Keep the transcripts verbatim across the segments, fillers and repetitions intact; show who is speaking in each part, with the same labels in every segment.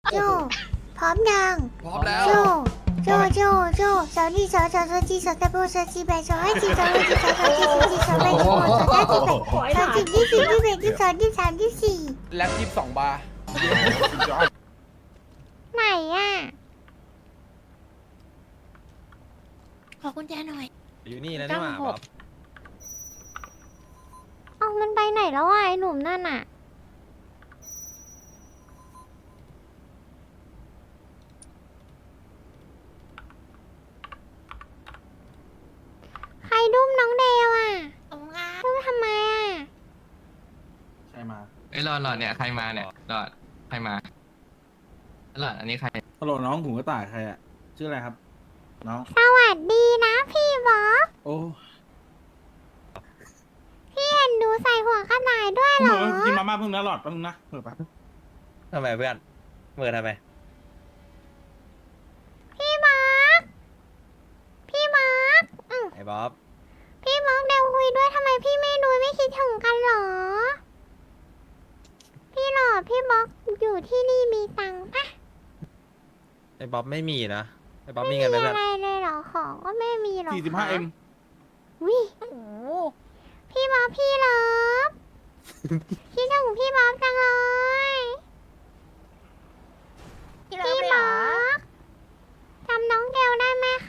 Speaker 1: โจพร้อมยัง
Speaker 2: พร้อมแล้ว
Speaker 1: โจโจโจโจสาวนี่สาวสาวสาวจีสาวตะโบสาวจีแบสาวให้จีสาวให้จีสาวสาวจีสาวจีสาวแบสาวสาวจีแบสาวจีที่สี่ที่แบที่สองที่สามที่สี่
Speaker 2: แล็บยี่สิบสองบาร์
Speaker 1: ไหนอ่ะ
Speaker 3: ขอกุญแจหน่อย
Speaker 4: อยู่นี่แล้วนี่หว่าบ๊อบ
Speaker 1: เอามันไปไหนแล้วอ่ะไอ้หนุ่มนั่นอ่ะใครดุ้มน้องเดวอ่ะ
Speaker 3: ขอบคุณครับ
Speaker 1: ดุ้มทำไมอ่ะ
Speaker 5: ใช่มา
Speaker 4: เอ้ยหลอดหลอดเนี่ยใครมาเนี่ยหลอดใครมาหลอดอันนี้ใคร
Speaker 5: ฮัลโหลน้องหูกระต่ายใครอะชื่ออะไรครับ น้อง
Speaker 1: สวัสดีนะพี่บ๊อบ
Speaker 5: โอ้
Speaker 1: พี่เห็นหนูใส่หัวกระต่ายด้วยเหรอ
Speaker 5: กินมาม่าเพิ่งนะหลอดแป๊บนึงนะเปิดแป๊บ
Speaker 4: ทำไมเพื่อนเมื่อทำไม
Speaker 1: พี่บ๊อบพี่บ๊อบอืม
Speaker 4: ไอ้บ๊อบ
Speaker 1: พี่บ๊อบเดี๋ยวคุยด้วยทำไมพี่ไม่ดูไม่คิดถึงกันเหรอ พี่หลอดพี่บ๊อบอยู่ที่นี่มีตังค์ปะ
Speaker 4: ไอ้บ๊อบไม่มีนะไอ้บ๊อบ
Speaker 1: ไม่
Speaker 4: มี
Speaker 1: มี
Speaker 4: เงินไหม
Speaker 1: อะ
Speaker 4: เพื่อน
Speaker 1: ไรเลยเหรอของก็ไม่มีหรอก
Speaker 5: สี่สิบห้าเอ็ม
Speaker 1: วิ
Speaker 3: โอ้โห
Speaker 1: พี่บ๊อบพี่เลิฟคิดถึงพี่บ๊อบจังเลย
Speaker 3: พี่เลิฟ
Speaker 1: พี่
Speaker 3: เลยเหร
Speaker 1: บ๊อ
Speaker 3: อบ
Speaker 1: จำน้องเกลได้ไหมคะ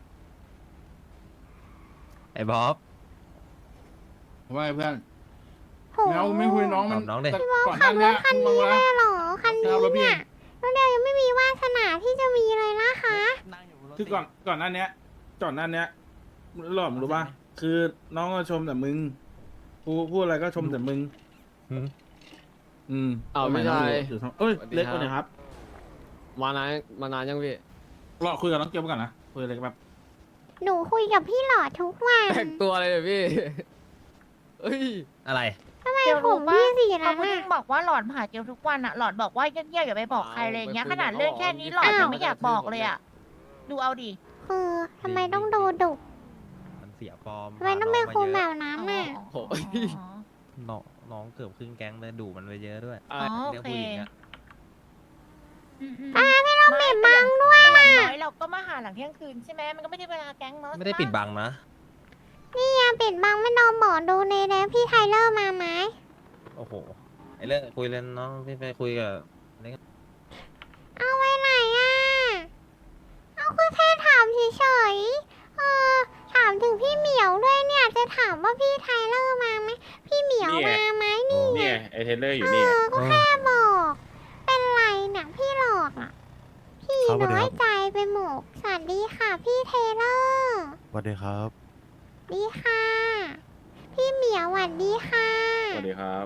Speaker 4: ไอ้บ๊อบ
Speaker 5: ว่าไงเพื่อน
Speaker 1: โห
Speaker 5: แมวไม่คุยน้องมัน
Speaker 4: ตอบน้องดิ
Speaker 5: แต่
Speaker 1: พี่บ๊อบ
Speaker 5: ก่อนห
Speaker 1: ขั
Speaker 5: น้า
Speaker 1: บร
Speaker 5: เนี้
Speaker 1: ถ
Speaker 5: ย
Speaker 1: คัน
Speaker 5: มึง
Speaker 1: นี้
Speaker 5: มา
Speaker 1: เลยเหรอคันนี้
Speaker 5: เอารถพี่
Speaker 1: เนี่ยน้องเกลยังไม่มีวาสนาที่จะมีเลยนะคะ
Speaker 5: คือก่อนก่อนหน้าเนี้ยก่อนหน้าเนี้ยหลอดมึงรู้ป่ะคือน้องก็ชมแต่มึงพูดพูดอะไรก็ชมแต่มึง
Speaker 4: หืม
Speaker 5: อืม
Speaker 6: เอา
Speaker 5: สมัย
Speaker 6: ไม่
Speaker 5: น้อง
Speaker 6: ใช่
Speaker 5: อยู่อยู่ท้องเอ้ย
Speaker 6: สวัสดี
Speaker 5: เล็ก
Speaker 6: ค
Speaker 5: ก
Speaker 6: รับ
Speaker 5: ว่านี้ครับ
Speaker 6: มานานมานานยังพี่
Speaker 5: รอคุยกับน้องเกียวก่อนนะคุยอะไรกันแบบ
Speaker 1: หนูคุยกับพี่หลอดทุกวัน
Speaker 6: แต่งตัวอะไรเนี่ยพี่เอ้ย
Speaker 4: อะไร
Speaker 1: ทำไม
Speaker 3: เกล
Speaker 1: ผ
Speaker 3: รู้
Speaker 1: ม
Speaker 3: ปะ
Speaker 1: พี่สี
Speaker 3: เขา
Speaker 1: นั้น
Speaker 3: พูด
Speaker 1: น่ะ
Speaker 3: บอกว่าหลอดมาหาเกลทุกวันอะหลอดบอกว่าเงียบๆอย่าไปบอกใครเลยอย่างเงี้ยขนาดเรื่องแค่นี้หลอดยังไม่อยากบอกเลยอะดูเอาดิ
Speaker 1: คือทำไมต้องโดนดุ
Speaker 4: มันเสียฟอร์ม
Speaker 1: ทำไมต้องเป็นคนแบ
Speaker 4: พา
Speaker 1: บนั้นน่ะ
Speaker 6: โอ้ย
Speaker 4: น้องน้องเกือบครึ่งแก๊งเลยดูมันไปเยอะด้วย
Speaker 3: อ๋อ
Speaker 4: เรื่
Speaker 3: โอ
Speaker 4: อง
Speaker 3: เค
Speaker 4: ผู้หญิงอะ
Speaker 3: อ่าพี่เรา
Speaker 1: ปิดบังด้วย
Speaker 3: อ
Speaker 1: อ่ะ
Speaker 3: ย่างน้อยเราก็มาหาหลังเที่ยงคืนใช่ไหมมันก็ไม่ได้เวลาแก๊งเนาะ
Speaker 4: ไม่ได้ปิดบังนะ
Speaker 1: นี่ยังปิดบังไม่นอนบอกดูในแล้วพี่ไทเลอร์มาไหม
Speaker 4: โอ้โหไอ้เรื่องคุยเล่นน้องพี่ไปคุยกับ
Speaker 1: เอาไว้ไหนอ่ะ เอาก็แค่ถามเฉยๆเออถามถึงพี่เหมียวด้วยเนี่ย จะถามว่าพี่ไทเลอร์มาไหมพี่เหมียวมาไหมนี่ไง
Speaker 7: เนี่ยไอเทเลอร์อ
Speaker 1: เอยู่
Speaker 7: นี่
Speaker 1: อก็แค่บอก เป็นไรเนี่ยพี่หลอกอ่ะ พี่น้อยใจไปหมดสวัสดีค่ะพี่เทเลอร์
Speaker 8: สวัสดีครับ
Speaker 1: ดีค่ะ พี่เหมียวสวัสดีค่ะ
Speaker 7: สวัสดีครับ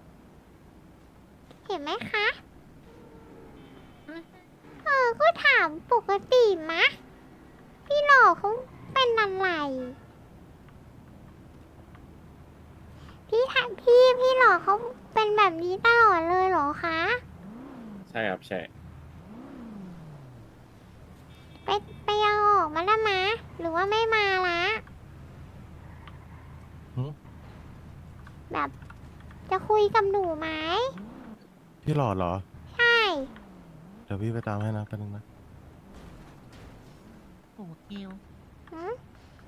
Speaker 1: เห็นไหมคะ เออ ก็ถามปกติมะ พี่หลอกเขาเป็นอะไร พี่ถามพี่ พี่หลอกเขาเป็นแบบนี้ตลอดเลยเหรอคะ
Speaker 7: ใช่ครับใช่
Speaker 1: ไปไปเอาออกมาแล้วมะ หรือว่าไม่มาละ
Speaker 8: หือ
Speaker 1: แบบ จะคุยกับหนูไหม
Speaker 8: พี่หลอดเหรอ
Speaker 1: ใช่
Speaker 8: เดี๋ยวพี่ไปตามให้นะแป๊บนึงนะ
Speaker 3: โอ้เกล
Speaker 1: หืม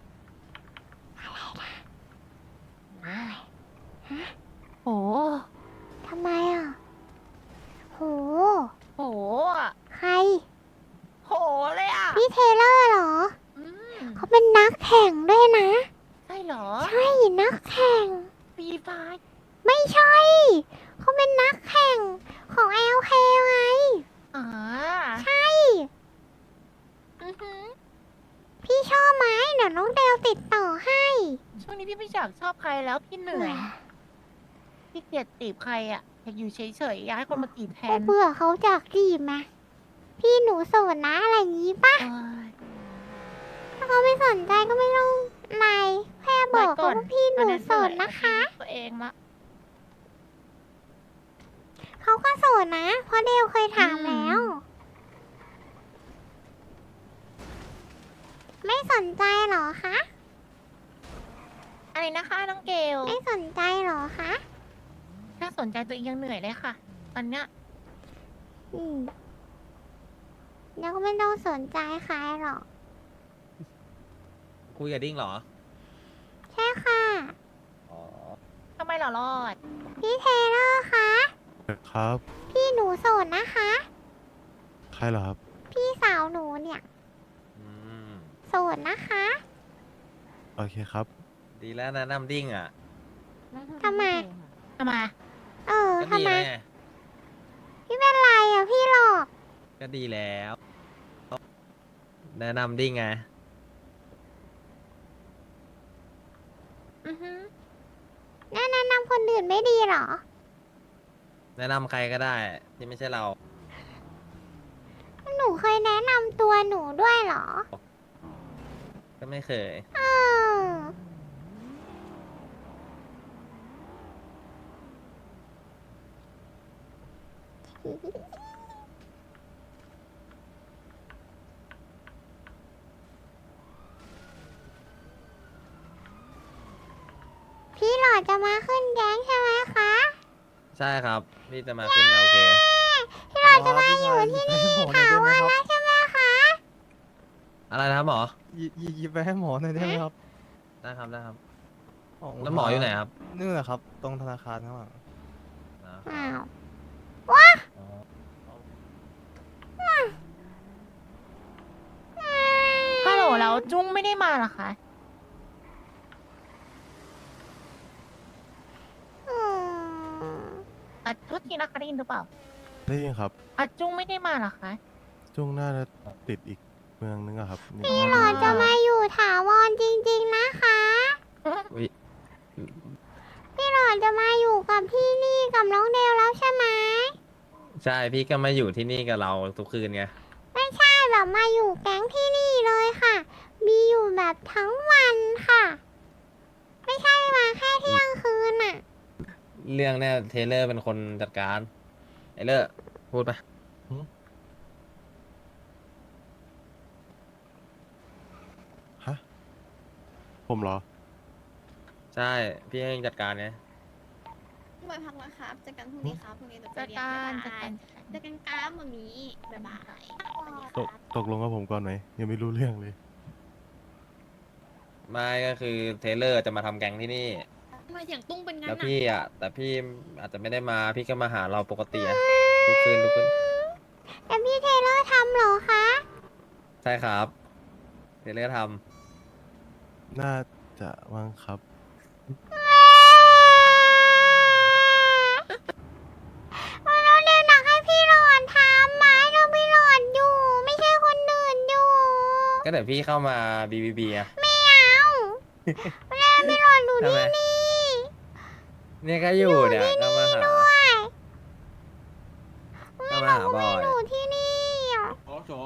Speaker 3: โห
Speaker 1: ทำไมอ่ะ โห
Speaker 3: โหอะ
Speaker 1: ใคร
Speaker 3: โหเลยอะ
Speaker 1: พี่เทเลอร์เหรอ
Speaker 3: อืม
Speaker 1: เขาเป็นนักแข่งด้วยนะ
Speaker 3: ใช่เหรอ
Speaker 1: ใช่นักแข่ง
Speaker 3: ปีไฟ
Speaker 1: ไม่ใช่ เขาเป็นนักแข่งของ แอล เค ไง
Speaker 3: อ่า
Speaker 1: ใช่
Speaker 3: อือหือ
Speaker 1: พี่ชอบไหมเดี๋ยวน้องเดลติดต่อให้
Speaker 3: ช่วงนี้พี่ไม่อยากชอบใครแล้วพี่เหนื่อย พี่เกลียดจีบใครอะอยากอยู่เฉยๆอยากให้คนมาจีบแท
Speaker 1: ก็
Speaker 3: น
Speaker 1: เบื่อเขาจากจีบมาพี่หนูโสดนะอะไรอย่างนี้ปะ
Speaker 3: เอ้ย
Speaker 1: ถ้าเขาไม่สนใจก็ไม่ต้องอะไรแค่บอกเขาว่าพี่หนูโสดนะคะ
Speaker 3: ตัวเองละ
Speaker 1: เขาก็โสดนะ เพราะเดลเคยถามแล้ว ไม่สนใจเหรอคะ
Speaker 3: อะไรนะคะน้องเกล
Speaker 1: ไม่สนใจเหรอคะ
Speaker 3: ถ้าสนใจตัวเองยังเหนื่อยเลยค่ะ ตอนเนี้ย
Speaker 1: อืมแล้วก็ไม่ต้องสนใจใครหรอก
Speaker 2: คุยกับดิ้งเหรอ
Speaker 1: ใช่ค่ะ
Speaker 2: อ๋อ
Speaker 3: ทำไมเหรอรอด
Speaker 1: พี่เทเลอร์คะ
Speaker 8: ครับ
Speaker 1: พี่หนูโสดนะคะ
Speaker 8: ใครเหรอครับ
Speaker 1: พี่สาวหนูเนี่ย
Speaker 2: อืม
Speaker 1: โสดนะคะ
Speaker 8: โอเคครับ
Speaker 2: ดีแล้วนะน้ำดิ้งอ่ะ
Speaker 1: ทำไม
Speaker 3: ทำไม
Speaker 1: เออ
Speaker 2: ก็
Speaker 1: ทำ
Speaker 2: ดี
Speaker 1: ไม
Speaker 2: ไง
Speaker 1: พี่เป็นไรอ่ะพี่หลอก
Speaker 2: ก็ดีแล้ว แนะนำดิ้งไง
Speaker 3: อือฮึ
Speaker 1: แนะนำคนอื่นไม่ดีเหรอ
Speaker 2: แนะนำใครก็ได้ ที่ไม่ใช่เรา
Speaker 1: หนูเคยแนะนำตัวหนูด้วยเหรอ
Speaker 2: ก็ไม่เคย
Speaker 1: เออ พี่หลอดจะมาขึ้นแก๊งใช่ไหมคะ
Speaker 2: ใช่ครับ พี่จะมาขึ้นโอเค
Speaker 1: พี่หลอดจะมาอยู่ที่นี่ถาวรแล้วใช่ไหมคะ
Speaker 2: อะไรนะครับหมอ
Speaker 9: ยิยิยิบไปให้หมอหน่อยได้ไหมครับ
Speaker 2: ได้ครับได้ครับ
Speaker 9: ขบคุณ
Speaker 2: แล้วหมออยู่ไหนครับ
Speaker 9: นี่แหละครับ ตรงธนาคารข้างหลัง
Speaker 2: อ๋อ
Speaker 1: อ้าว
Speaker 2: อ๋อ
Speaker 3: ฮัลโหลแล้วจุ้งไม่ได้มาเหรอคะ
Speaker 1: อืม
Speaker 3: อ่ะทุกทีนะคะได้ยินหรือเปล่า
Speaker 8: ได้ยินครับ
Speaker 3: อ่ะจุ้งไม่ได้มาเหรอคะ
Speaker 8: จุ้งน่าจะติดอีกเมืองนึงอะครับนี่
Speaker 1: พี่หลอดจะมาอยู่ถาวรจริงๆนะคะ
Speaker 2: อุ๊ย
Speaker 1: พี่หลอดจะมาอยู่กับพี่นี่กับน้องเดลแล้วใช่ไหม
Speaker 2: ใช่ พี่ก็มาอยู่ที่นี่กับเราทุกคืนไง
Speaker 1: ไม่ใช่แบบมาอยู่แก๊งที่นี่เลยค่ะ มีอยู่แบบทั้งวันค่ะ ไม่ใช่มาแค่เที่ยงคืนอ่ะ
Speaker 2: เรื่องเนี่ยเทเลอร์เป็นคนจัดการ ไอเลอร์พูดไป
Speaker 8: ฮะ ผมเหรอ
Speaker 2: ใช่ พี่ให้จัดการไง
Speaker 10: พี่บอยพักนะครับเจอกันพรุ่งนี้ครับพรุ่งนี้เดี๋ยว
Speaker 3: จั
Speaker 10: จะ
Speaker 3: ด
Speaker 10: เรียน
Speaker 3: การ
Speaker 10: บ๊าย
Speaker 3: จัด
Speaker 10: บาย
Speaker 3: การ
Speaker 10: เจอกันครับวันนี้บ๊ายบาย
Speaker 8: ตกตกลงกับผมก่อนไหม ยังไม่รู้เรื่องเลย
Speaker 2: ไม่ก็คือเทเลอร์จะมาทำแก๊งที่นี่
Speaker 10: ทำไมเสียงตุ้งเป็นงั้น
Speaker 2: แล้ว
Speaker 10: อ่ะ
Speaker 2: พี่อ่ะ แต่พี่อาจจะไม่ได้มา พี่ก็มาหาเราปกติอะทุกคืนทุกคืน
Speaker 1: แต่พี่เทเลอร์ทำเหรอคะ
Speaker 2: ใช่ครับ เทเลอร์ท
Speaker 8: น่าจะมั้งครับ
Speaker 1: วันน้องเดลหนักให้พี่หลอดทำไม้เราพี่หลอดอยู่ ไม่ใช่คนอื่นอยู่
Speaker 2: ำก็เดี๋ยวพี่เข้ามาบีบีบีอะ
Speaker 1: ไม่เอาแล้วพี่หลอดอยู่
Speaker 2: ทำไม
Speaker 1: ที่นี่
Speaker 2: เนี่ยก็อยู่เนี่ยก็มาหา
Speaker 1: ด้วย
Speaker 2: ก็มาหาบอย
Speaker 1: อยู่ที่นี่อ่ะ
Speaker 5: โอ้โฉ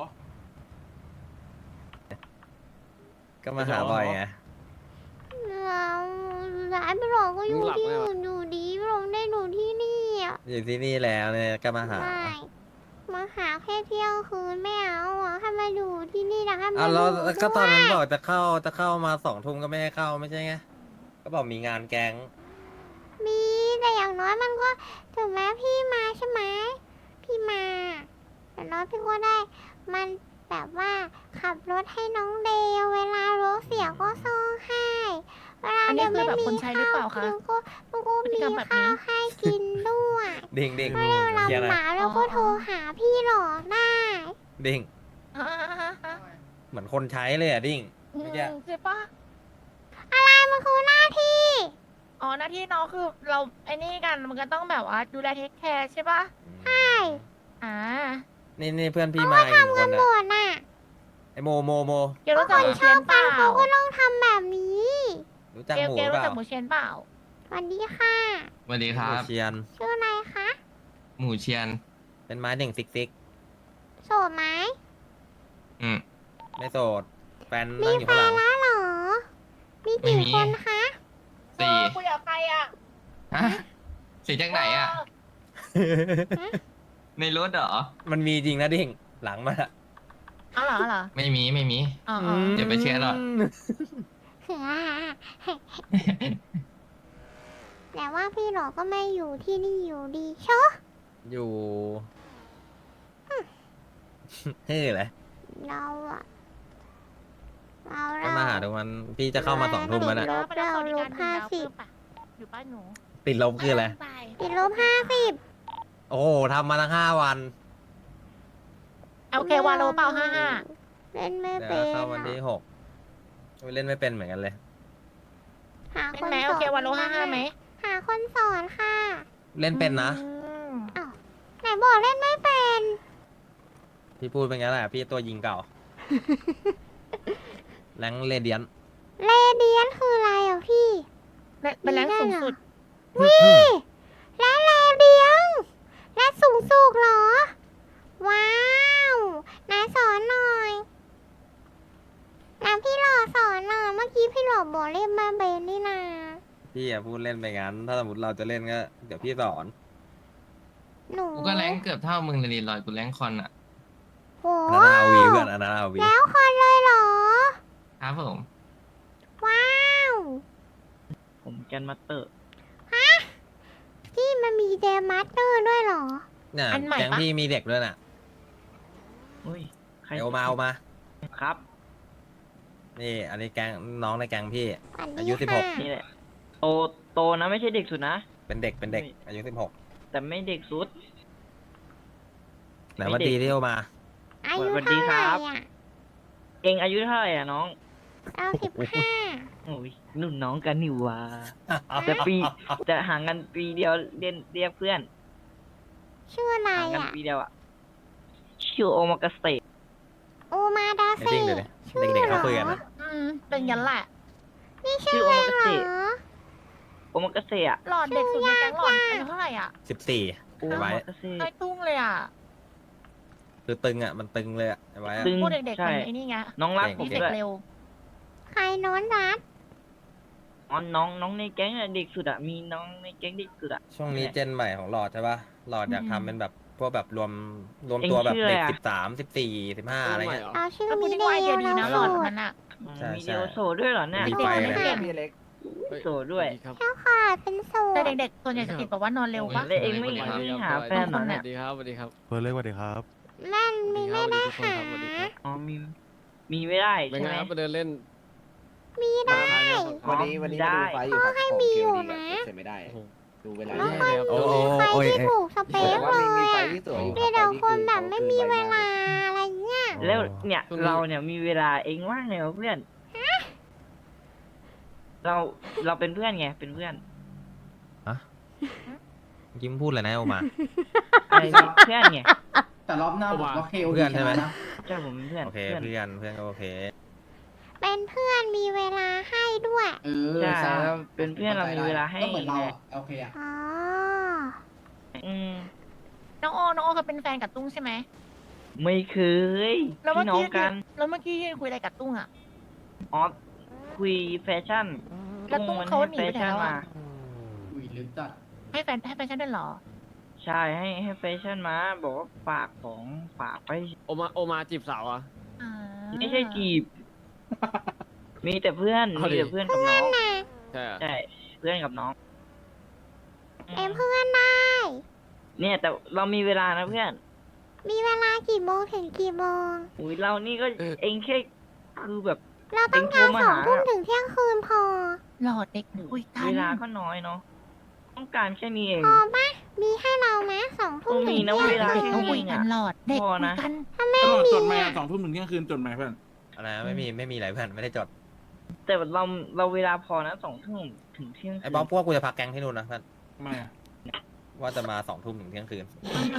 Speaker 2: ก็มาหาบอยไง
Speaker 1: แล้วร้านพี่หลอดก็อยู่ที่อื่นอยู่ดีพี่หลอดได้อยู่ที่นี่อ่ะ
Speaker 2: อยู่ที่นี่แล้วเนี่ยก็มาหา
Speaker 1: ไม่มาหาแค่เที่ยงคืนไม่เอาอ่ะให้มาอยู่ที่นี่นะให้มา
Speaker 2: อ่ะแล้ว
Speaker 1: อยู่
Speaker 2: ก็ตอนนั้น
Speaker 1: ด้วย
Speaker 2: บอกจะเข้าจะเข้ามาสองทุ่มก็ไม่ให้เข้าไม่ใช่ไง ก็บอกมีงานแก๊ง
Speaker 1: มีแต่อย่างน้อยมันก็ถึงแม้พี่มาใช่ไหมพี่มาแต่น้อยพี่ก็ได้ มันแบบว่าขับรถให้น้องเดลเวลารถเสียก็ซ่อมให้เวลา
Speaker 3: อันนี้
Speaker 1: เดล
Speaker 3: คือ
Speaker 1: ไม่
Speaker 3: แบบ
Speaker 1: มี
Speaker 3: คนใช้หรือเปล่าคะ
Speaker 1: ข้าวกินก็มันก็
Speaker 3: พฤติ
Speaker 1: มี
Speaker 3: กรรมแบบนี้
Speaker 1: ข้าวให้กินด้วย
Speaker 2: เด้งเด้ง
Speaker 1: ถ้าเดล
Speaker 2: เคลียร์
Speaker 1: ลำห
Speaker 2: นะ
Speaker 1: มาเราก็โทรหาพี่หลอได้
Speaker 2: เด้ง
Speaker 3: อ่า
Speaker 2: เหมือนคนใช้เลยอ่ะดิ้ง
Speaker 3: อืม
Speaker 2: เมื่อกี้
Speaker 3: ใช่ปะ
Speaker 1: อะไรมันคือหน้าที่
Speaker 3: อ๋อหน้าที่น้องคือเราไอ้นี่กันมันก็ต้องแบบว่าดูแลเทคแคร์ใช่ปะ
Speaker 1: ใช่
Speaker 3: อ่า
Speaker 2: นี่นี่เพื่อนพี่มาอีกหนึ่งคน
Speaker 1: หม
Speaker 2: อ่ะ
Speaker 1: ดน่ะ
Speaker 2: ไอโมโมโม
Speaker 3: เกลรู้จักหมูเชนเปล่า
Speaker 1: เขาก็ต้องทำแบบนี้
Speaker 2: รู้จัก
Speaker 3: เกล
Speaker 2: หมู
Speaker 3: เกล
Speaker 2: เป
Speaker 3: รู้
Speaker 2: ล่า
Speaker 3: จักหมูเชนเปล่า
Speaker 1: สวัสดีค่ะ
Speaker 4: สวัสดีครั
Speaker 2: หมู
Speaker 4: บ
Speaker 2: เชียน
Speaker 1: ชื่ออะไรคะ
Speaker 4: หมูเชียน
Speaker 2: เป็นไม้เด่งซิกซิก
Speaker 1: โสดไหม
Speaker 4: อืม
Speaker 2: ไม่โสด แฟน
Speaker 1: มี
Speaker 2: นั่งอยู่
Speaker 1: แฟ
Speaker 2: ข้างหลั
Speaker 1: น
Speaker 2: ง
Speaker 1: แล้วเหรอ มี
Speaker 4: ไม่
Speaker 1: กี่
Speaker 4: มี
Speaker 1: คนคะ
Speaker 4: สี่
Speaker 3: เออคุยกับใครอ่ะ
Speaker 4: ฮะสี่จากไหนอ่ะ ในรถเหรอ
Speaker 2: มันมีจริงนะดิ้งหลังมาอะ
Speaker 3: อ๋อเหรอเหรอ
Speaker 4: ไม่มีไม่มี
Speaker 3: อ๋ออ๋อ
Speaker 4: อย่าไปเชื่อหรอก
Speaker 1: แต่ว่าพี่หลอก็ไม่อยู่ที่นี่อยู่ดีเชอะ
Speaker 2: อยู่เฮ้ยเลย
Speaker 1: เราอะเรา
Speaker 2: ก็
Speaker 1: เรา
Speaker 2: มาหาทุกวันพี่จะเข้ามาสองทุ่มแล้วนะ
Speaker 1: ลบเราลบห้าสิบ
Speaker 3: อยู่ป้าหนู
Speaker 2: ติดลบคืออะไร
Speaker 1: ติดลบห้าสิบ
Speaker 2: โอ้โหทำมาตั้งห้าวัน
Speaker 3: โอเควาโลเปล่าห้าห้า
Speaker 1: เล่นไม่
Speaker 2: เดี๋ยว
Speaker 1: เป็น
Speaker 2: เข้าวันที่หกเล่นไม่เป็นเหมือนกันเลย
Speaker 1: หา
Speaker 3: เป็น
Speaker 1: คน
Speaker 3: ไหม
Speaker 1: ส
Speaker 3: โอ
Speaker 1: อน
Speaker 3: เควาโลห้าห้าไหม
Speaker 1: หาคนสอนค่ะ
Speaker 2: เล่นเป็นนะ
Speaker 3: อืม
Speaker 1: ไหนบอกเล่นไม่เป็น
Speaker 2: พี่พูดเป็นงั้นแหละพี่ตัวยิงเก่า แรงเรเดียน
Speaker 1: เรเดียนคืออะไรอ่ะพี่
Speaker 3: และเป็นแรงสูงสุด
Speaker 1: วิและเรเดียนและสูงสุดเหรอ ว้าวไหนายสอนหน่อยนะพี่หล่อสอนหน่อยเมื่อกี้พี่หล่อบอกเล่นมาเบนนี่นา
Speaker 2: พี่อย่าพูดเล่นไปงั้น ถ้าสมมติเราจะเล่นก็เดี๋ยวพี่สอน
Speaker 1: หนู
Speaker 4: กูก็แรงเกือบเท่ามึงเลยดิลอยกูแรงคอนอ่ะ
Speaker 1: โห
Speaker 2: อันนั้นเอาวีเพื่อนอันนั้นเอาวี
Speaker 1: แล้วคนเลยเหรอ
Speaker 4: ครับผม
Speaker 1: ว้าว
Speaker 11: ผมแกนมาสเตอร์
Speaker 1: พี่มันมีเดมัสเตอร์ด้วยเหรอ
Speaker 2: เนี่ย
Speaker 3: อันใหม่ปะ
Speaker 2: แก๊งพี่มีเด็กด้วยน่ะ
Speaker 11: อุ้ย ใคร
Speaker 2: เดี๋ยวเอามาเอามา
Speaker 11: ครับ
Speaker 2: นี่ อันนี้แก๊งน้องในแก๊งพี่
Speaker 1: สวัสดี
Speaker 2: อายุสิบหก
Speaker 1: ค่ะ
Speaker 11: นี่แหละ โต โตนะไม่ใช่เด็กสุดนะ
Speaker 2: เป็นเด็กเป็นเด็ก อายุสิบหก
Speaker 11: แต่ไม่เด็กสุด
Speaker 2: ไหนวันดีที่เอามา
Speaker 1: อายุ
Speaker 11: สวัสดี
Speaker 1: เท่า
Speaker 11: ค
Speaker 1: ไห
Speaker 11: รั
Speaker 1: ร่
Speaker 11: บ
Speaker 1: อ่ะ
Speaker 11: เองอายุเท่าไหร่อ่ะน้อง
Speaker 1: เอาสิบห้า
Speaker 11: โอ้ยนุ่นน้องกันนิวาแต่ปีจะห่างกันปีเดียวเรียนเรียกเพื่อน
Speaker 1: ชื่ออะไร
Speaker 11: ห่างกัน
Speaker 1: อ่ะ
Speaker 11: ปีเดียวอ่ะชื่อโอมากาเสะ
Speaker 1: โอมาดา
Speaker 2: เดี๋ยว
Speaker 1: เซ่
Speaker 2: ดิ้งเดี๋ยวดิ
Speaker 1: ชื่อ
Speaker 2: เด็กๆ
Speaker 1: เหร
Speaker 2: เขา
Speaker 1: อ
Speaker 2: คุยกันนะ
Speaker 3: อืมเป็นยันแหละ
Speaker 1: นี่ชื่อเองเหรอ
Speaker 11: โอมากาเสะอ่ะ
Speaker 3: หลอดเด็กสุดในแก๊งหลอดอายุเท่าไหร่อ่ะ
Speaker 2: สิบสี่
Speaker 11: โอ
Speaker 2: ไอ้ไว้
Speaker 11: มากาเสะ
Speaker 3: ไอ้ตุ้งเลยอ่ะ
Speaker 2: คือตึงอ่ะ มันตึงเลยอ่ะไอ้ไว้อะ
Speaker 11: ตึง
Speaker 3: พูดเด็กๆ
Speaker 11: ใช่
Speaker 3: คนไอ้นี่ไง
Speaker 11: น้องรัก
Speaker 2: เด็ก
Speaker 11: ผม
Speaker 3: มีเด็ก
Speaker 11: ด้วย
Speaker 3: เร็ว
Speaker 1: ใครน้อนรัด
Speaker 11: อ๋อน้องน้องในแก๊งอะเด็กสุดอ่ะมีน้องในแก๊งเด็กสุดอ่ะ
Speaker 2: ช่วงนี้เจนใหม่ของหลอดใช่ป่ะ หลอดอยาก
Speaker 3: อืม
Speaker 2: ทำเป็นแบบพวกแบบรวมรวม
Speaker 11: เอ็ง
Speaker 2: ตัวแบบ
Speaker 11: ชื่ออะไร
Speaker 2: เด็ก
Speaker 11: อะ
Speaker 2: สิบสามสิบสี่สิบห้าอะไรเงี้ย
Speaker 1: เราชื่อ
Speaker 3: แล้วพู
Speaker 1: มิ
Speaker 3: ด
Speaker 1: เด
Speaker 3: ได้ว่าไอ
Speaker 1: ล
Speaker 3: เดียดี
Speaker 1: เรา
Speaker 3: นะหล
Speaker 1: สู
Speaker 3: อด
Speaker 1: ด
Speaker 3: มันอ่ะ
Speaker 2: ใช่
Speaker 11: มี
Speaker 2: ใช่
Speaker 11: เดียวโซด้วยเหรอเนี่ย
Speaker 2: มีไฟเลย
Speaker 3: เด็ก
Speaker 11: โสดด้วย
Speaker 6: ครับ
Speaker 1: เจ้าขาเป็นสูด
Speaker 3: แต่เด็กๆส่วนใหญ่จะติดแบบว่านอนเร็วปะ
Speaker 11: แล้วเองไม่
Speaker 6: สวัสดีครับ
Speaker 11: หาแฟนเหรอเนี่ย
Speaker 6: สวัสดีครับสวัสดีครับ
Speaker 8: เพื่อนเล็กสวัสดีครับ
Speaker 1: แม่นมีไม่ได้
Speaker 6: สวัส
Speaker 1: หา
Speaker 6: ดีทุกคนครับสวัสดีครับ
Speaker 11: อ๋อมีมีไม่ได้
Speaker 6: เป็น
Speaker 11: ใช่
Speaker 6: ไง
Speaker 11: ไหม
Speaker 6: ครับไปเดินเล่น
Speaker 1: มีได้
Speaker 11: วันนี้วันนี้ได้
Speaker 1: พ่อให้มีอยู่นะ
Speaker 6: โอ้โห
Speaker 7: ดูเวลา
Speaker 1: ไม่ค่อย
Speaker 2: โอ้
Speaker 1: มี
Speaker 2: โอ้
Speaker 1: ใคร
Speaker 2: โอ้ย
Speaker 1: ที่ถูกสเปคเลยอ่ะ
Speaker 7: สวย
Speaker 1: มีแต่คนแบบไม่มีเวลาอะไรเงี้ย
Speaker 11: แล้วเนี่ย
Speaker 6: ช่วงนี้
Speaker 11: เราเนี่ยมีเวลาเองว่างไงวะเพื่อน เราเราเป็นเพื่อนไงเป็นเพื่อน
Speaker 2: ยิ้มพูดเลยนะโอมา
Speaker 11: อะไรเพื่อนไง
Speaker 6: แต่รอบหน้าผมก็เคล
Speaker 2: เพื่อนใช่ไหม
Speaker 11: ใช่ผมเป็นเพื่อน
Speaker 2: โอเค
Speaker 11: เพื่อน
Speaker 2: เพื่อนเพื่อนก็โอเค
Speaker 1: เป็นเพื่อนมีเวลาให้ด้วย
Speaker 11: ใช่แล้วเป็นเพื่อนเรามีเวลาให้
Speaker 6: ก็เหมือนเรา
Speaker 11: ไง
Speaker 6: อะโอเคอะ
Speaker 1: อ๋อ
Speaker 11: อืม
Speaker 3: น้องโอน้องโอเคยเป็นแฟนกับตุ้งใช่ไหม
Speaker 11: ไม่เคย
Speaker 3: แล้วเมื่อ
Speaker 11: พี่น้อง
Speaker 3: กี้
Speaker 11: กัน
Speaker 3: แล้วเมื่อกี้ยืนคุยอะไรกับตุ้งอ่ะ
Speaker 11: อ๋อคุยแฟชั่น
Speaker 3: แล้วตุ้ง
Speaker 11: มัน
Speaker 3: เขา
Speaker 11: ให้
Speaker 3: หนี
Speaker 11: แฟ
Speaker 3: ไปไหน
Speaker 11: ชั่น
Speaker 3: แล้ว
Speaker 11: มา
Speaker 3: อ่ะ
Speaker 6: อุ้ยลึกจัด
Speaker 3: ให้แฟนให้แฟนฉันด้วยเหรอ
Speaker 11: ใช่ให้ให้แฟชั่นมา บอกว่าฝากของฝากไป
Speaker 6: โอมาโอมาจีบสาวอ่ะ
Speaker 3: อ่า
Speaker 11: ไม่ใช่จีบ มีแต่เพื่อน
Speaker 6: เอา
Speaker 11: มี
Speaker 6: ดิ
Speaker 11: แต่เพื่อนกับน้อง
Speaker 1: น่ะ
Speaker 6: ใช่อะ
Speaker 11: ใช่ เพื่อนกับน้อง
Speaker 1: เอ็มเพื่อนได้
Speaker 11: เนี่ย แต่เรามีเวลานะเพื่อน
Speaker 1: มีเวลากี่โมงถึงกี่โมง
Speaker 11: อุ้ยเรานี่ก็เองแค่คือแบบ
Speaker 1: เราต้องการ
Speaker 11: เอ็งโทรมา
Speaker 1: สอง
Speaker 11: หา
Speaker 1: ทุ่มถึงเที่ยงคืนพอ
Speaker 3: หลอดเด็กคุยกัน
Speaker 11: เวลาก็น้อยเนาะ ต้องการแค่นี้เอง
Speaker 1: พอปะมีให้เราไหมสองทุ่ม
Speaker 11: โอ้
Speaker 1: ถึ
Speaker 11: มี
Speaker 1: ง
Speaker 11: นะ
Speaker 1: เที่ยง
Speaker 11: เวลา
Speaker 3: เด็ก
Speaker 1: คื
Speaker 3: เขา
Speaker 1: น
Speaker 3: คุยกันหลอดเด็ก
Speaker 11: พอ
Speaker 3: คุย
Speaker 11: นะ
Speaker 3: กัน
Speaker 1: ถ้าไม่
Speaker 5: ตลอด
Speaker 1: มี
Speaker 5: จดไหม
Speaker 1: อ่ะ
Speaker 5: อะสองทุ่มถึงเที่ยงคืนจดไหมเพื่อน
Speaker 2: อะไรนะไม่มีไม่มีอะไรเพื่อนไม่ได้จด
Speaker 11: แต่เราเราเวลาพอนะสองทุ่มถึงเที่ยงคืน
Speaker 2: ไอ้บ๊อบพวกกูจะพักแก๊งที่นู่นนะเพื่อน
Speaker 5: ไม่อะ
Speaker 2: ว่าจะมาสองทุ่มถึงเที่ยงคืน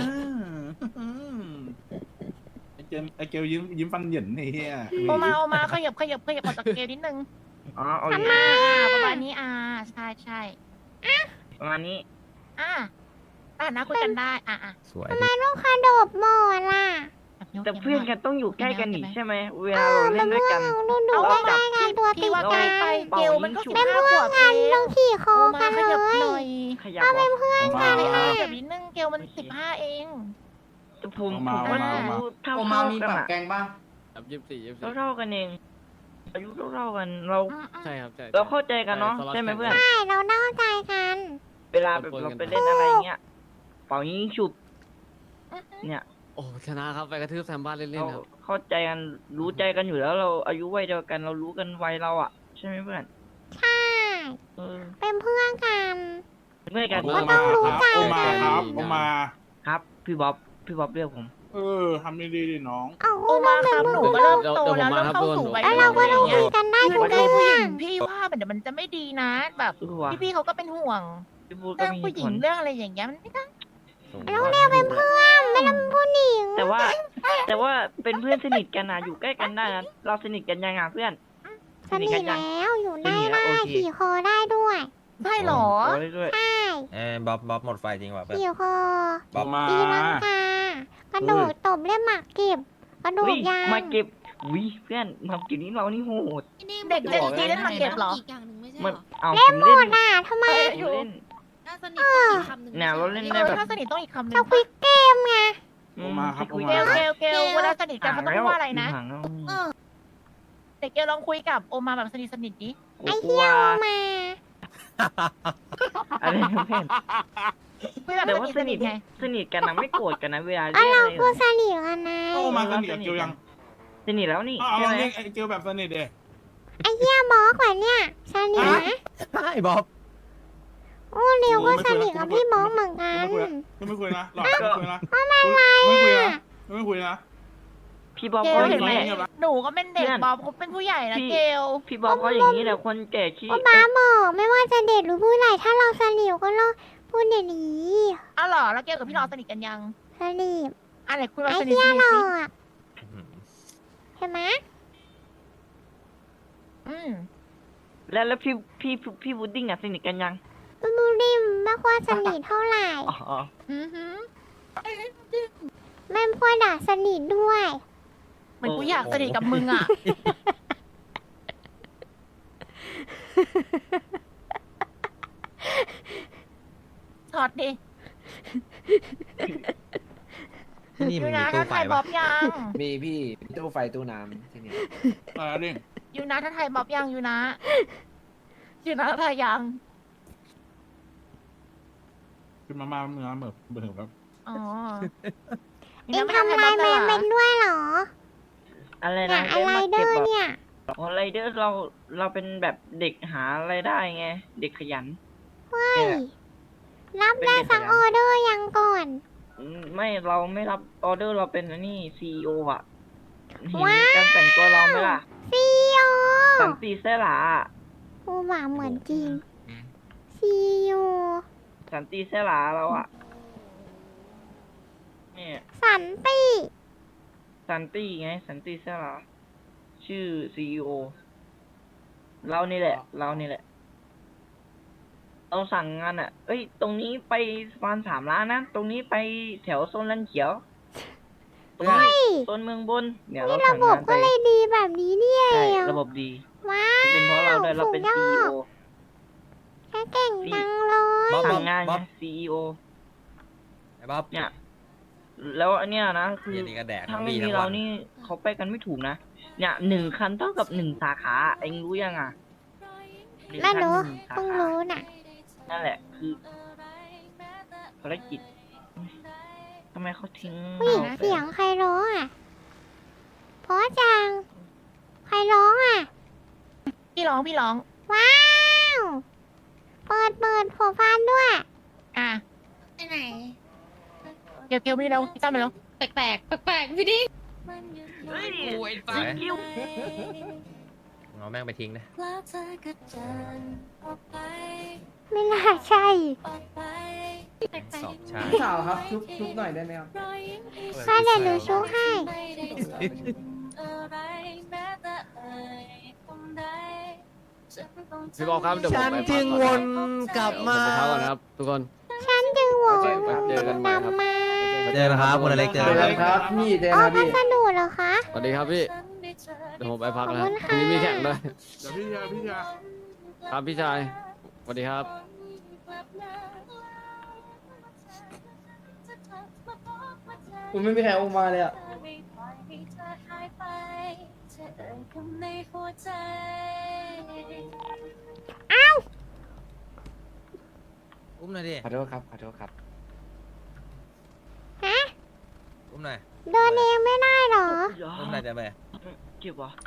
Speaker 5: ไอเกลไอเกลยิ้มยิ้มฟันเหยินไอ้เหี้ย
Speaker 3: โอมาโอมาขยับขยับขยับออกจากเกมนิดนึง
Speaker 11: อ๋อเอา
Speaker 1: ทำ
Speaker 11: อีก
Speaker 1: ไม
Speaker 3: อ่า
Speaker 1: อ่ะ
Speaker 3: ประมาณนี้อ่าใช่ใช่
Speaker 11: ประมาณนี้
Speaker 3: อ่าอ่านะคุยกันได้อ่าอ่า
Speaker 2: สวย
Speaker 1: ทำไมต้องคาโดบหมดล่ะ
Speaker 11: แต่เพื่อนกันต้องอยู่ใกล้กันนี่ใช่ไหมเวลา
Speaker 1: เออ
Speaker 11: เรา
Speaker 1: เป็
Speaker 11: เล่
Speaker 1: น
Speaker 11: นด้วย
Speaker 1: เพื่อ
Speaker 11: กัน น
Speaker 1: ดูดู
Speaker 3: เอา
Speaker 1: ใก
Speaker 3: ว่า
Speaker 1: ล้ๆกันตัวติ
Speaker 3: ที่
Speaker 1: ด
Speaker 3: ว่า
Speaker 1: กั
Speaker 3: ไกล
Speaker 1: น
Speaker 3: ไปเกลมันก็สิบ
Speaker 1: เป็น
Speaker 3: ห้า
Speaker 1: เพื่
Speaker 3: ข
Speaker 1: อ
Speaker 3: วน บ
Speaker 1: กั
Speaker 3: เอน ง
Speaker 1: ต้องขี่คอ
Speaker 3: โอ
Speaker 1: กั
Speaker 3: มาน ข
Speaker 1: เล
Speaker 3: ยับห
Speaker 1: ย
Speaker 3: น่อย
Speaker 11: ขยับเหรอ
Speaker 5: มา
Speaker 3: ข
Speaker 5: มา
Speaker 3: ยับนิดนึงเกลมันสิบห้าเอง
Speaker 11: แต่ผม
Speaker 5: เอา
Speaker 11: ผ
Speaker 5: มาม
Speaker 11: ว่า
Speaker 5: เอามา
Speaker 11: อายุเท่า
Speaker 6: โอ
Speaker 11: ๆ
Speaker 6: มามี
Speaker 11: กัน
Speaker 6: ปรับ
Speaker 11: อะ
Speaker 6: แกงบ้างแบบยี่สิบสี่ยี่สิบสี่
Speaker 11: เท่าๆกันเอง อายุเท่าๆกันเรา
Speaker 6: ใช่ครับใช่
Speaker 11: เราเข้าใจกันเนาะใช่ไหมเพื่อน
Speaker 1: ใช่เราเน่าใจกัน
Speaker 11: เวลาแบบเราไปเล่นอะไรเงี้ยเป่ายิงฉุบ เนี่ย
Speaker 6: โออ้ชนะครับไปกระทืบแซมบ้านเล่น
Speaker 11: เรา
Speaker 6: ๆครับ
Speaker 11: เข้าใจกันรู้ใจกันอยู่แล้วเราอายุวัยเดียวกันเรารู้กันวัยเราอ่ะใช่ไหมเพื่อน
Speaker 1: ใช่
Speaker 11: เออ
Speaker 1: เป็นเพื่อนกัน
Speaker 11: เมื่อกัน
Speaker 5: โอ
Speaker 1: ก็ต้องรู้ใจ
Speaker 5: โอมาครับโอมา
Speaker 11: ครับพี่บ๊อบพี่บ๊อบเรียกผม
Speaker 5: เออทำดีๆดิน้อง
Speaker 1: เอา
Speaker 3: โอมาครับหนูก็เริ่มโต
Speaker 6: เดี๋ยวผม
Speaker 3: แล้ว
Speaker 6: มา
Speaker 3: เริ่ม
Speaker 6: ครับ
Speaker 3: เข้า
Speaker 6: ทุกคน
Speaker 3: สู่วัย
Speaker 1: แล้วเราก็ต้อง
Speaker 3: เนี้
Speaker 1: คุ
Speaker 3: ย
Speaker 1: ยกันได้
Speaker 3: คือ
Speaker 1: ทุก
Speaker 3: เรื่อง
Speaker 1: เรื่
Speaker 3: ผู้ห
Speaker 1: อ
Speaker 3: ญิ
Speaker 1: ง
Speaker 3: งพี่ว่าเดี๋ยวมันจะไม่ดีนะ แบบ
Speaker 11: เออว่ะ
Speaker 3: พี่ๆเขาก็เป็นห่วง
Speaker 11: พี่พูดก็
Speaker 3: เรื่อง
Speaker 11: มี
Speaker 3: ผู้หญิ
Speaker 11: ผ
Speaker 3: ง
Speaker 11: ล
Speaker 3: เรื่องอะไรอย่างเงี้ยมันไม่ได้
Speaker 1: เราเรียกเป็นเพื่อนไม่ต้องเป็นผู้หญิง
Speaker 11: แต่ว่า แต่ว่าเป็นเพื่อนสนิทกันนะอยู่ใกล้กันได้นะเราสนิทกันยังไงเพื่อน
Speaker 1: สนิท
Speaker 11: กันยัง
Speaker 1: แล้วอยู่ได้
Speaker 11: สนิทแล้ว
Speaker 1: ได้
Speaker 11: โอเค
Speaker 1: ขี่คอได้ด้วย
Speaker 3: ใช่เหรอ
Speaker 11: โอ้ยด้วย
Speaker 1: ใช่
Speaker 2: เอ้ยบ๊อบบ๊อบหมดไฟจริงว่ะเพื่อน
Speaker 1: ขี่คอ
Speaker 2: บ๊อบ
Speaker 5: มา
Speaker 1: ตีลังกากระโดดตบเล่นหมากเก็บกระโด
Speaker 11: วิ
Speaker 1: ดยาง
Speaker 11: มาเก็บวิเพื่อนมาเก็บนี้เรานี่โหด
Speaker 3: เด็กเด็กจีเล่นหมากเก็บเหรอ
Speaker 10: อีกอย่างหนึ่งไม่ใช่
Speaker 11: มัน
Speaker 10: เหรอ
Speaker 11: เอา
Speaker 1: เล่
Speaker 11: ผ
Speaker 1: น
Speaker 11: ม
Speaker 1: หม
Speaker 11: เล่น
Speaker 1: ดอ่ะทำไม
Speaker 11: ผมเล่น
Speaker 10: น่าสนิทต้องอีกคำหนึ่ง
Speaker 11: เนี่ยเราเล่น
Speaker 3: เอ
Speaker 11: ได้
Speaker 3: อ
Speaker 11: แบบ
Speaker 3: ถ้าสนิทต้องอีกคำหนึ่
Speaker 1: ส
Speaker 3: ง
Speaker 1: ควิดเกมไง
Speaker 11: อื
Speaker 5: โอมาครับ
Speaker 11: คุย
Speaker 5: โอ
Speaker 3: เก
Speaker 5: มา
Speaker 3: ลเกลเกลเวลาสนิทกันเขาต้องพูดว่าอะไรนะ
Speaker 11: ห่างแล้ว
Speaker 10: เออ
Speaker 3: เด็กเกลลองคุยกับโอมาแบบสนิทสนิทดิ
Speaker 11: ก
Speaker 1: ไอ้
Speaker 11: ลั
Speaker 1: เหี้
Speaker 11: วย
Speaker 1: เอามา
Speaker 11: อะไรนะเพื่อน
Speaker 3: คุยแบบ
Speaker 11: แต่
Speaker 3: ส
Speaker 11: ว่า
Speaker 3: นิท
Speaker 11: ส
Speaker 3: ส
Speaker 11: นิ
Speaker 3: นิ
Speaker 11: ท
Speaker 3: ทไง
Speaker 11: สนิทกันนะไม่โกรธกันนะเวลา
Speaker 1: อ่ะ
Speaker 11: เรียก
Speaker 1: เรา
Speaker 11: อะไร
Speaker 1: พูดสนิทกันนะ
Speaker 5: โอมาสนิทกับเกียวยัง
Speaker 11: สนิทแล้วนี่
Speaker 5: อ้าว
Speaker 11: ใช่
Speaker 5: ลอง
Speaker 11: ไหม
Speaker 5: เรียกไอ้เกียวแบบสนิทเด้
Speaker 1: ไอ้เหี้ยบอกว่าเนี่ยสนิทนะ
Speaker 2: ใช่บ๊อบ
Speaker 1: โอ้เร็วก็สนิทกับพี่บอกเหมือนกัน
Speaker 5: ไม่คุยไม่คุยนะหลอดไม่คุยนะไม่คุยนะไม่คุยนะ
Speaker 11: พี่บ๊อบ
Speaker 3: เก
Speaker 11: ก็
Speaker 3: ล
Speaker 11: อ
Speaker 3: เห็
Speaker 11: ย่าน ง
Speaker 3: ไหม
Speaker 11: นี้
Speaker 3: หนูก็เป็นเด็ก
Speaker 11: เพื่อน
Speaker 3: บอบเขาเป็นผู้ใหญ่นะ
Speaker 11: พี่
Speaker 3: เกล
Speaker 11: พี่บ๊อบก็อย่างนี้แหละคนแก่ขี้
Speaker 1: ก็บ้าบอกไม่ว่าจะเด็กหรือผู้ใหญ่ถ้าเราสนิทก็เราพูดอย่างนี้
Speaker 3: อ้าวเหรอแล้วเกลกับพี่รอสนิทกันยัง
Speaker 1: สนิท
Speaker 3: อ่ะไหนคุยแบบ
Speaker 1: ไอ้
Speaker 3: สนิท
Speaker 1: เหี้
Speaker 3: ส
Speaker 1: ย
Speaker 3: นิท
Speaker 1: หล่อ
Speaker 3: สิ
Speaker 1: อะเห็นไหม
Speaker 3: อืม
Speaker 11: แล้วแล้วพี่พี่พี่บูดดิ้งอ่ะสนิทกันยัง
Speaker 1: ดูดิมไม่ค่อยสนิทเท่าไหร่
Speaker 11: อ๋อ
Speaker 3: อือหือ
Speaker 1: แม่พูดด่าสนิทด้วย
Speaker 3: เหมือนกูอยากสนิทกับมึงอ่ะช็อตดิ
Speaker 2: ที่นี่
Speaker 3: อ
Speaker 2: มั
Speaker 3: ยู
Speaker 2: นมี
Speaker 3: นะ
Speaker 2: ตู้
Speaker 3: ถ้า
Speaker 2: ไฟ
Speaker 3: ไทยบ๊
Speaker 2: ปะ
Speaker 3: อบยัง
Speaker 6: มีพี่ตู้ไฟตู้น้ำที่นี่
Speaker 5: อะไรดิ
Speaker 3: ยูนะถ้าไทยบ๊อบยังยูนะยูนะไทยยัง
Speaker 5: คือมามาเมื่อเมื่อเบื่อครับ
Speaker 3: อ๋อ
Speaker 1: เอ็งทำอะไรแม่เป็นด้วยเหรอ
Speaker 11: อะไร
Speaker 1: เนี่
Speaker 11: นะ
Speaker 1: ยอะไรเดอร์เนี่ย
Speaker 11: อ๋อไรเดอร์เราเราเป็นแบบเด็กหาอะไรายได้ไง เด็กขยัน
Speaker 1: เฮ้ย รับได้สักออเดอร์ยังก่อน
Speaker 11: อืมไม่เราไม่รับออเดอร์เราเป็นอันนี่ซีอีโออ่ะเห็น
Speaker 1: ว้าว
Speaker 11: การแต่งตัวเราไหมล่ะ
Speaker 1: ซีโอ
Speaker 11: สันติเสลาอะ
Speaker 1: โอ้หว่าเหมือนจริงซีโอ
Speaker 11: สันติเสลาเราอ่ะเนี่ย
Speaker 1: สันติ
Speaker 11: สันติไง สันติเสลาชื่อซีอีโอเรานี่แหละ เรานี่แหละ เราสั่งงานอ่ะ เอ้ย ตรงนี้ไปสะพานสามล้านนะ ตรงนี้ไปแถวโซนลันเขียว ตรงนี้
Speaker 1: เฮ้ย
Speaker 11: โซนเมืองบน เนี่ยเรา
Speaker 1: นี่ระ
Speaker 11: สั่ง
Speaker 1: บบ
Speaker 11: งาน
Speaker 1: ก็
Speaker 11: ไป
Speaker 1: เลยดีแบบนี้เนี่ย
Speaker 11: ใช่ ระบบดี
Speaker 1: ว้า
Speaker 11: เป็นเพราะเรา
Speaker 1: ว
Speaker 11: ด้วยเราเป็น
Speaker 1: สุ
Speaker 11: ซี
Speaker 1: ดย
Speaker 11: อี
Speaker 1: อ
Speaker 11: โอ
Speaker 1: ดแค่เก่งจังเลย
Speaker 2: บ๊อบ
Speaker 11: สั่งงาน
Speaker 2: บ๊
Speaker 11: ไง
Speaker 2: อบ
Speaker 11: ซีอีโอ
Speaker 2: ไอ้บ๊อบ
Speaker 11: เนี่ย แล้วอันเนี้ยนะ คือ
Speaker 2: เดี๋ยวนี้ก็แดก
Speaker 11: ถ้า
Speaker 2: ทั้ง
Speaker 11: ไม่
Speaker 2: วี่
Speaker 11: มี
Speaker 2: ทั้ง
Speaker 11: เรา
Speaker 2: วัน
Speaker 11: นี่เขาไปกันไม่ถูกนะ เนี่ยหนึ่งคันเท่ากับหนึ่งสาขา เองรู้ยังอ่ะหนึ่ง
Speaker 1: ไม่
Speaker 11: คัน
Speaker 1: รู้
Speaker 11: หนึ่งสา
Speaker 1: เพิ่ง
Speaker 11: ขา
Speaker 1: รู้น่ะ
Speaker 11: นั่นแหละ คือภารกิจทำไมเขาทิ้ง
Speaker 1: ผู้หญิง
Speaker 11: ราไป
Speaker 1: เสียงใครร้องอ่ะ เพราะจัง ใครร้องอ่ะ
Speaker 3: พี่ร้องพี่ร้อง
Speaker 1: ว้าว เปิดเปิดหัวฟันด้วย
Speaker 3: อ่ะ
Speaker 10: ไปไหน
Speaker 3: เกลเกลไม่เร็วพี่ตั้มไปเร็ว
Speaker 10: แปลกแปลกแปลกแปลกพี่ดิ้ง
Speaker 11: เฮ้ย
Speaker 2: ไหน
Speaker 11: คิว
Speaker 2: เอาแม่งไปทิ้งนะ
Speaker 1: ไม่น่าใช่
Speaker 2: สอบชา
Speaker 6: พี่สาวครับชุบชุบหน่อยได้ไหมครับ
Speaker 1: ถ้าเดี๋ยวหนูชุบให้
Speaker 6: พี่บอกครับเดี๋ยวผม
Speaker 9: ฉัน
Speaker 6: ไป
Speaker 9: จึ
Speaker 6: พัก
Speaker 9: ง
Speaker 6: ก่อน
Speaker 9: ว
Speaker 6: นะ
Speaker 9: นกลับ
Speaker 6: เดี๋ยวผม
Speaker 9: มา
Speaker 6: ไปพักก่อนนะครับทุกคน
Speaker 1: ฉันจึงหวง
Speaker 6: เจอกันใหม่ครับ
Speaker 1: นำมา
Speaker 2: เจอกันครับคุณอเล็กเจอ
Speaker 6: เจ
Speaker 2: กั
Speaker 6: อน กันครับพี่เจอ
Speaker 1: อ๋อ
Speaker 6: กัน
Speaker 1: พั
Speaker 6: พี่
Speaker 1: สดุเหรอคะ
Speaker 6: สวัสดีครับพี่ เดี๋ยวผมไปพักแล้ว
Speaker 1: ขอบคุณ
Speaker 6: พรุ่งนี้มีแข่งด้วย
Speaker 5: เดี๋ยวพี่ชายพี่ชาย
Speaker 6: ครับพี่ชาย สวัสดีครับ
Speaker 9: คุณไม่มีใครเอามาเลยอ่ะ
Speaker 2: อุ้มหน่อยดิ
Speaker 6: ขอโทษครับ ขอโทษครับ
Speaker 1: ฮะ
Speaker 2: อุ้มหน่อย
Speaker 1: เดินเองไม่ได้เหรอ
Speaker 2: อุ้มหน่อยจะไป
Speaker 11: เจ็บวะ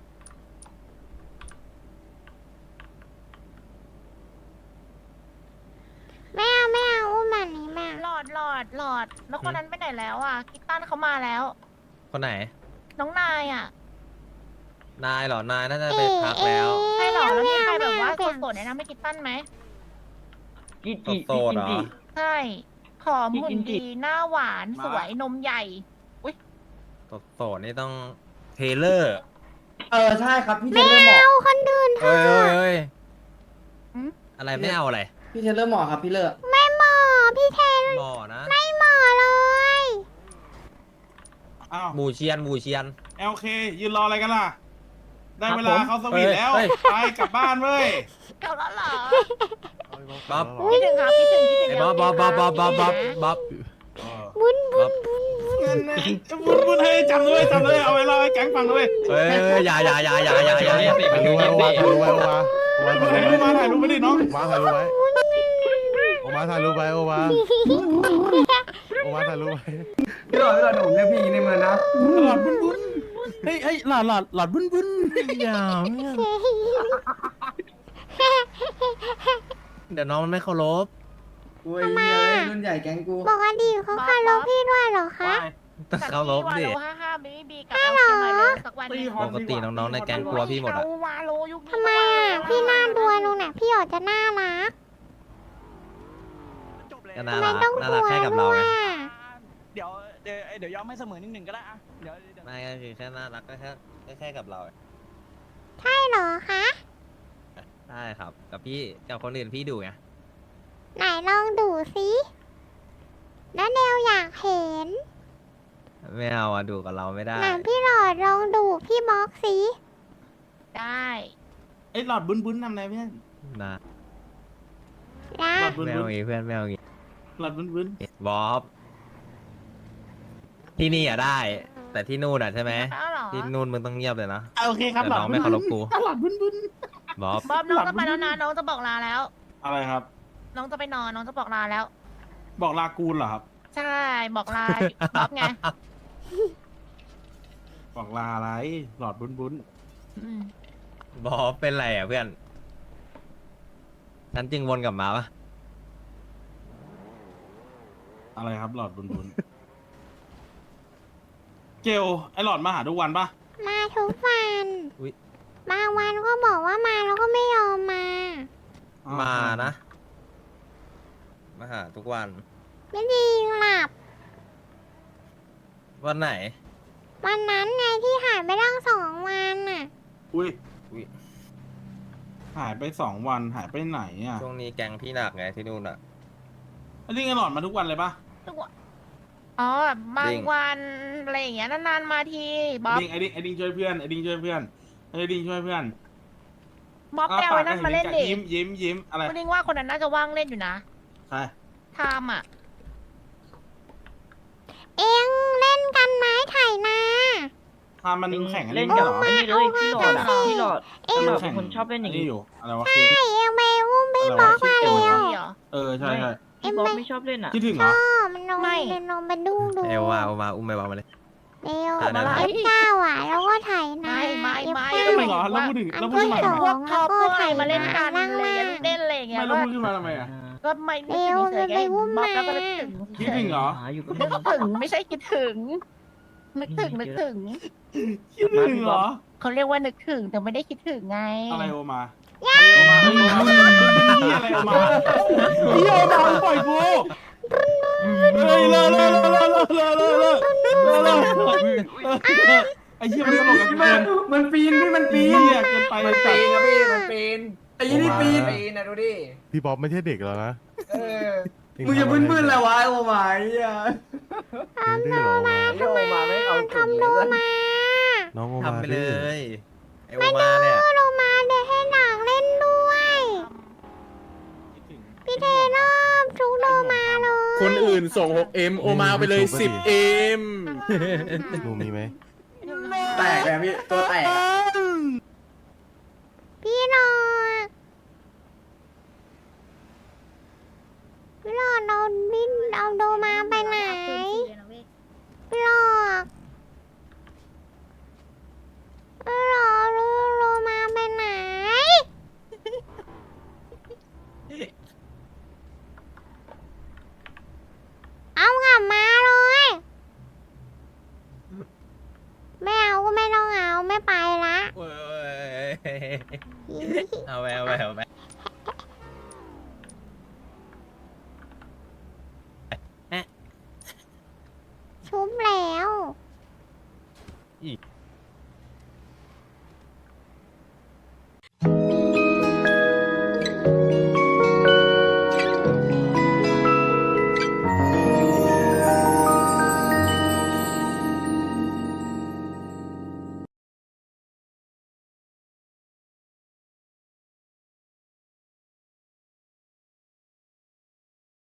Speaker 1: ไม่เอาไม่เอาอุ้มแบบนี้แม่
Speaker 3: หลอดหลอดหลอด แล้วคนนั้นไปไหนแล้วอ่ะคิตตันเขามาแล้ว
Speaker 2: คนไหน
Speaker 3: น้องนายอ่ะ
Speaker 2: นายเหรอนายน่าจะไปพักแล้ว
Speaker 3: ใช่หรอแล้วมีใครแบบว่า
Speaker 1: ไม่เอา
Speaker 3: โสดๆแนะนำให้คิตตันไหม
Speaker 11: กินจิ
Speaker 2: โสดๆเหรอ
Speaker 11: กินจิ
Speaker 3: ใช่ผอมหุ่
Speaker 11: กิ
Speaker 3: น
Speaker 11: นจิ
Speaker 3: ดีหน้าหวานสวยนมใหญ่
Speaker 2: โสดๆนี่ต้องเทเลอร์
Speaker 9: เออใช่ครับพี่เท
Speaker 1: ไม่
Speaker 9: เลอร์หมอ
Speaker 1: เอาคนอื่นเถ
Speaker 2: เอ้ย
Speaker 1: อะ
Speaker 2: เอ้ยเอ้ย
Speaker 3: อืม
Speaker 2: อะไรไม่เอาอะไร
Speaker 9: พี่เทเลอร์หมอครับพี่เลอร์
Speaker 1: ไม่เหมาะพี่เทน
Speaker 2: หมอนะ
Speaker 1: ไม่เหมาะเลย
Speaker 5: อ้าว
Speaker 2: หมูเชียนหมูเชียน
Speaker 5: เอลเคยืนรออะไรกันล่ะ ได้เวลาเขาสวีทแล้ว
Speaker 2: เฮ้ย
Speaker 5: ไปกลับบ้านเว้ย
Speaker 3: เก่าแล้วเหรอ
Speaker 2: บ๊อบ
Speaker 3: คิดถึงครับคิดถึงคิดถึง
Speaker 2: ไอ้บ๊อบบ๊อบบ๊อบบ๊อบบ๊อบบ๊อบบ๊อบ
Speaker 1: บุญบุ
Speaker 2: บ๊อ
Speaker 1: ญ
Speaker 2: บ
Speaker 1: บุญบุญ
Speaker 5: บุญบุญให้จำด้วยจำด้วยเอาไว้เล่าให้แก๊งฟังด้วย
Speaker 2: เฮ้ยอย่าอย่าอย่าอย่าอย่าอย่าอย่า
Speaker 8: ถ่ายรูปไว้โอวาถ่ายรูปไว้โอวาโอวา
Speaker 5: ถ่ายรูปมาถ่ายรูปมาดิน้อง
Speaker 8: โอวาถ่ายรูปไว้โอวาถ่ายรูปไว้โอวาโอวาถ่ายรูปไว้
Speaker 9: พี่หลอดพี่หลอดผมเรียกพี่ในเมืองนะ
Speaker 5: หลอดบุญบุญเฮ้ยเฮ้ยหลอดหลอดหลอดบุญบุญ
Speaker 8: อย่าเนี่ย
Speaker 2: เดี๋ยวน้องมันไม่เคารพ
Speaker 9: อุ้ยเหี้ยเอ้ยรุ่นใหญ่แก๊งกู
Speaker 1: ปกติเขาเคารพพี่ด้วยเหรอคะ
Speaker 2: ต้องเคารพดิ
Speaker 3: วาโลห้าห้าบีบีกับเอลเคมาเลยสักวันหนึง
Speaker 2: ปกติน้องๆในแก๊งกลัวพี่หมดอะ
Speaker 3: เอาวาโลยุคนี้
Speaker 1: ทำไมอ่ะ พี่น่าดูตรงไหนพี่ออกจะน่ารัก
Speaker 2: ก็น่า
Speaker 1: ทำไม
Speaker 2: รัก
Speaker 1: ต้อง
Speaker 2: น่าก รั
Speaker 1: ลั
Speaker 2: ก
Speaker 1: ว
Speaker 2: แค่กับ
Speaker 1: ด้
Speaker 2: เรา
Speaker 1: วย
Speaker 2: ไง
Speaker 1: อ่ะ
Speaker 12: เดี๋ยวเดี๋ยวเดี๋ยวยอมให้เสมอนิดหนึ่งก็ได้อะเดี๋ยวเดี๋ยว
Speaker 2: ไม่ก็คือแค่น่ารักก็แค่ก็แค่กับเราไง
Speaker 1: ใช่เหรอคะ
Speaker 2: ใช่ครับ กับพี่กับคนอื่นพี่ดูไง
Speaker 1: ไหนลองดูสิแล้วเดวอยากเห็น
Speaker 2: ไม่เอาอะดูกับเราไม่ได้
Speaker 1: ไหนพี่หลอดลองดูพี่บล็อกสิ
Speaker 3: ได้
Speaker 5: ไอ้หลอดบุญบุญทำอะไรเพื่อน
Speaker 2: นะ
Speaker 1: นะ
Speaker 5: หลอดบุญ
Speaker 2: ไม่
Speaker 5: บุ
Speaker 2: เอา
Speaker 5: ญ
Speaker 2: งี้เพื่อนไม่เอางี้
Speaker 5: หลอดบุญบุญ
Speaker 2: บ๊อบที่นี่อะได้ แต่ที่นู่นอะใช่ไหม
Speaker 3: แล้วเหรอ
Speaker 2: ที่นู่นมึงต้องเงียบเลยนะ
Speaker 5: โอเคครับ
Speaker 2: แต่
Speaker 5: หลอด
Speaker 2: น้อง
Speaker 5: บุ
Speaker 2: ไม่
Speaker 5: ญ
Speaker 2: เคารพกู
Speaker 5: หลอดบุญบุญ
Speaker 2: บ๊อบ
Speaker 3: บ๊อบน้องจะไปแล้วนะน้องจะบอกลาแล้ว
Speaker 5: อะไรครับ
Speaker 3: น้องจะไปนอนน้องจะบอกลาแล้ว
Speaker 5: บอกลากูลเหรอครับ
Speaker 3: ใช่บอกลาบ๊อบไง
Speaker 5: บอกลาอะไรหลอดบุญบุญ
Speaker 3: อืม
Speaker 2: บ๊อบเป็นไรอะเพื่อนฉันจึงวนกลับมาปะ
Speaker 5: อะไรครับหลอดบุญบุญเกลไอหลอดมาหาทุกวันปะ
Speaker 1: มาทุกวัน
Speaker 2: อุ๊ย
Speaker 1: บางวันก็บอกว่ามาแล้วก็ไม่ยอมมา
Speaker 2: มานะ มาหาทุกวัน
Speaker 1: ไม่ดีหลับ
Speaker 2: วันไหน
Speaker 1: วันนั้นไงที่หายไปตั้งสองวันน่ะ
Speaker 5: อุ้ย
Speaker 2: อุ๊ย
Speaker 5: หายไปสองวันหายไปไหนอ่ะ
Speaker 2: ช่วงนี้แกงพี่หนักไงที่นู่นอะ
Speaker 5: ไอ้นี่ไอหลอดมาทุกวันเลยปะ
Speaker 3: ทุกวันอ๋อบางวันอะไรอย่างเงี้ยนานๆมาทีบ๊อบ
Speaker 5: ไอดิงไอดิงไอดิงช่วยเพื่อนไอดิงช่วยเพื่อนไอดิงช่วยเพื่อน
Speaker 3: บ๊อบแปลไว้นั่นมาเล่นดิ
Speaker 5: ยิ้มยิ้มยิ้มอะไร
Speaker 3: คุณดิงว่าคนนั้นน่าจะว่างเล่นอยู่นะ
Speaker 5: ใช่
Speaker 3: ไทามอ่ะ
Speaker 1: เอ็งเล่นกันไหมไถ่นา
Speaker 5: พามันแข่งกัน
Speaker 11: เล่น
Speaker 5: กั
Speaker 11: กับ
Speaker 5: เหรอ
Speaker 11: ไอ้นี่เลยพี่หลอดอะ
Speaker 1: เอามา
Speaker 11: พี่หลอด
Speaker 1: เอ็ง
Speaker 11: พี่หลอดเป็นคนชอบเล่นอย่าง
Speaker 5: นี้
Speaker 11: นี้
Speaker 5: อยู่อะไรวะ
Speaker 1: ใช่เอ็งไปอุ้มพี่บล็อกมาเร็ว
Speaker 3: ดีเหรอ
Speaker 5: เออใช่ใช่
Speaker 11: พี่บ๊อบไม่ชอบเล่นอ่ะ
Speaker 5: คิดถึง
Speaker 1: ช
Speaker 5: เหรอ
Speaker 1: อบมันลง
Speaker 3: ไม่
Speaker 1: เดินลงไปดูดู
Speaker 2: เอวมาเอามาอุ้มไปวางมาเลย
Speaker 1: เร็ว
Speaker 2: อ่ะได้
Speaker 1: เอฟเก้าอ่ะแล้วก็ไถ่นา
Speaker 3: ไม่ไม่ไม่
Speaker 1: เอฟ
Speaker 5: ทำไม
Speaker 1: เก้า
Speaker 5: เหรอแล้วพูดถึงแล้วพู
Speaker 3: ก็
Speaker 5: ดถึง
Speaker 3: เห็น
Speaker 5: ทำไม
Speaker 3: พวกท็อปพวกอะไรมาเล่นกัน
Speaker 1: ล่าง
Speaker 3: เลย
Speaker 1: ล่าง
Speaker 3: เล่นอะไรอย่างเงี้ย
Speaker 5: ไม่แล้ว
Speaker 3: ก็
Speaker 5: พูดขึ้นมาทำไมอ่ะ
Speaker 3: ก็ไม่นึกถึงเฉยๆไง
Speaker 1: เร็วเร็ว
Speaker 3: บ๊อบแล้วก็
Speaker 1: ไป
Speaker 3: นึก
Speaker 1: อุ้
Speaker 3: ถึ
Speaker 1: ม
Speaker 3: ง
Speaker 5: คิดถึงเหรอ
Speaker 11: หาอยู่กับ
Speaker 3: นึกถึงไม่ใช่คิดถึง นึกถึงนึกถึง
Speaker 5: คิดถึงเหรอ
Speaker 3: เขาเรียกว่านึกถึงแต่ไม่ได้คิดถึงไง
Speaker 5: อะไรโอมาอะไรโอมาเฮ้ยโอมาอะไรโอมาพี่โอมาปล่อยกูเฮ้ยเลิกเลิกเลิกเลิกเลิกเลิกเลิกเลิกเลิกเลิกไอ้เหี้ยมันตลกกับกู
Speaker 9: มัน
Speaker 5: เกิน
Speaker 9: มันปีนพี่มันปีน
Speaker 5: เหี้ยเกินไป
Speaker 9: มันปีนครับพี่มันปีนไอ้ยี่นี่ปีน
Speaker 8: ปีนนะดูดิพี่บ๊อบไม่ใช่เด็กแล้วนะ
Speaker 9: เออมึงจะบึ้นๆอะไรวะโอ้มาไอ้เหี้ย
Speaker 8: เด็กดื้อเหรอวะ
Speaker 9: โอ้มาไม่เอา
Speaker 1: ทำโลมา
Speaker 8: น้องโอมา
Speaker 2: ทำไปเล
Speaker 8: ดื้อย
Speaker 2: ไอโอมาเนี่ย
Speaker 1: โลมาเดี๋ยวให้หนังเล่นด้วย พี่เทเริ่มทุกโลมาเลย
Speaker 7: คนอื่นส่ง หกเอ็ม โอมาไปเลย สิบเอ็ม
Speaker 8: หนูมีไหม
Speaker 9: แตกเลยพี่ตัวแตกอะ
Speaker 1: พี่หลอดพี่หลอดเราบินเอาโดมาไปไหนพี่ห
Speaker 2: เอาไปเอาไปเอาไป
Speaker 1: ชุบแล้ว
Speaker 2: อี